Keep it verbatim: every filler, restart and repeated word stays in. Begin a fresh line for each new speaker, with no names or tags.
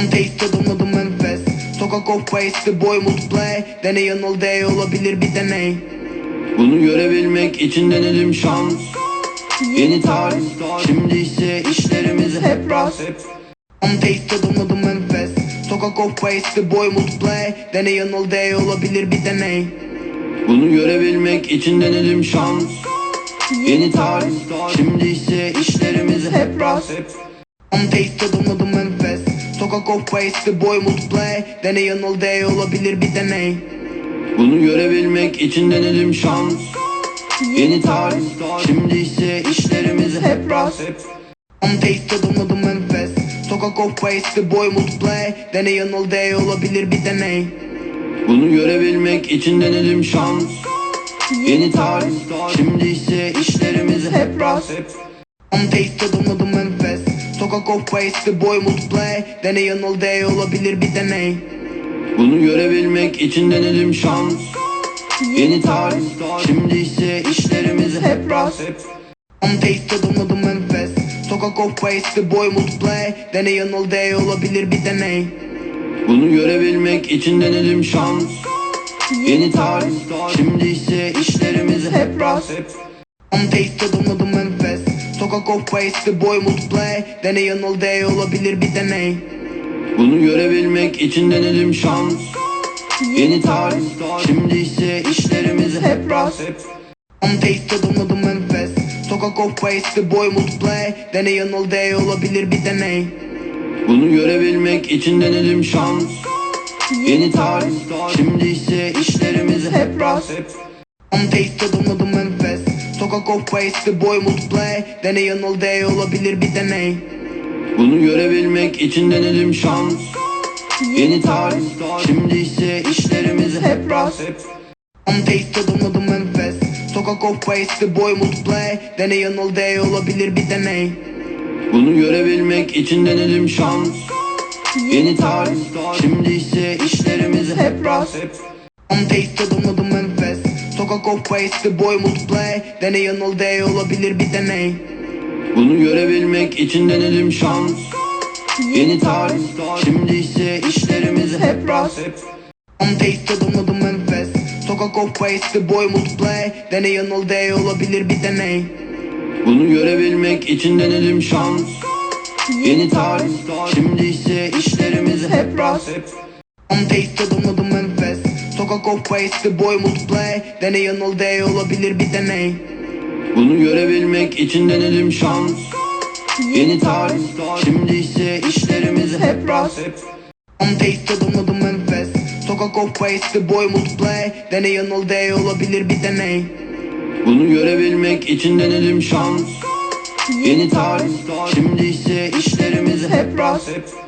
On taste adım adım enfes. Sokak of waste boy multiplay. Deney yanıl day olabilir bir deney.
Bunu görebilmek için denedim şans. Yeni tarih, şimdi ise işlerimiz hep rast.
On taste adım adım enfes. Sokak of waste boy multiplay. Deney yanıl day olabilir bir deney.
Bunu görebilmek için denedim şans. Yeni tarih, şimdi ise işlerimiz hep rast.
On taste adım adım enfes. Sokak of waste boy multiplay. Deney yanıl day olabilir bir deney.
Bunu görebilmek için denedim şans. Yeni tarih, şimdi ise işlerimiz hep rast.
On taste adım adım enfes. Sokak of waste boy multiplay. Deney yanıl day olabilir bir deney.
Bunu görebilmek için denedim şans. Yeni tarih, şimdi ise işlerimiz hep rast.
On taste adım adım enfes. Sokak of waste boy multiplay. Deney yanıl day olabilir bir deney.
Bunu görebilmek için denedim şans. Yeni tarih, şimdi ise işlerimiz hep rast.
On taste adım adım enfes. Sokak of waste boy multiplay. Deney yanıl day olabilir bir deney.
Bunu görebilmek için denedim şans. Yeni tarih, şimdi ise işlerimiz hep rast.
On taste adım adım enfes. Sokak of waste boy multiplay. Deney yanıl day olabilir bir deney.
Bunu görebilmek için denedim şans. Yeni tarih, şimdi ise işlerimiz hep rast.
On taste adım adım enfes. Sokak of waste boy multiplay. Deney yanıl day olabilir bir deney.
Bunu görebilmek için denedim şans. Yeni tarih, şimdi ise işlerimiz hep rast.
On taste adım adım enfes. Sokak of waste boy multiplay. Deney yanıl day olabilir bir deney.
Bunu görebilmek için denedim şans. Yeni tarih, şimdi ise işlerimiz hep rast.
On taste adım adım enfes. Sokak of waste boy multiplay. Deney yanıl day olabilir bir deney.
Bunu görebilmek için denedim şans. Yeni tarih, şimdi ise işlerimiz hep rast.
On taste adım adım enfes. Sokak of waste boy multiplay. Deney yanıl day olabilir bir deney.
Bunu görebilmek için denedim şans. Yeni tarih, şimdi ise işlerimiz hep rast.
On taste adım adım enfes. Sokak of waste boy multiplay. Deney yanıl day olabilir bir deney.
Bunu görebilmek için denedim şans. Yeni tarih, şimdi ise işlerimiz hep rast.
On taste adım adım enfes. Sokak of waste boy multiplay. Deney yanıl day olabilir bir deney.
Bunu görebilmek için denedim şans. Yeni tarih, şimdi ise işlerimiz hep rast.
On taste adım adım enfes. Sokak of waste boy multiplay. Deney yanıl day olabilir bir deney.
Bunu görebilmek için denedim şans. Yeni tarih, şimdi ise işlerimiz hep rast.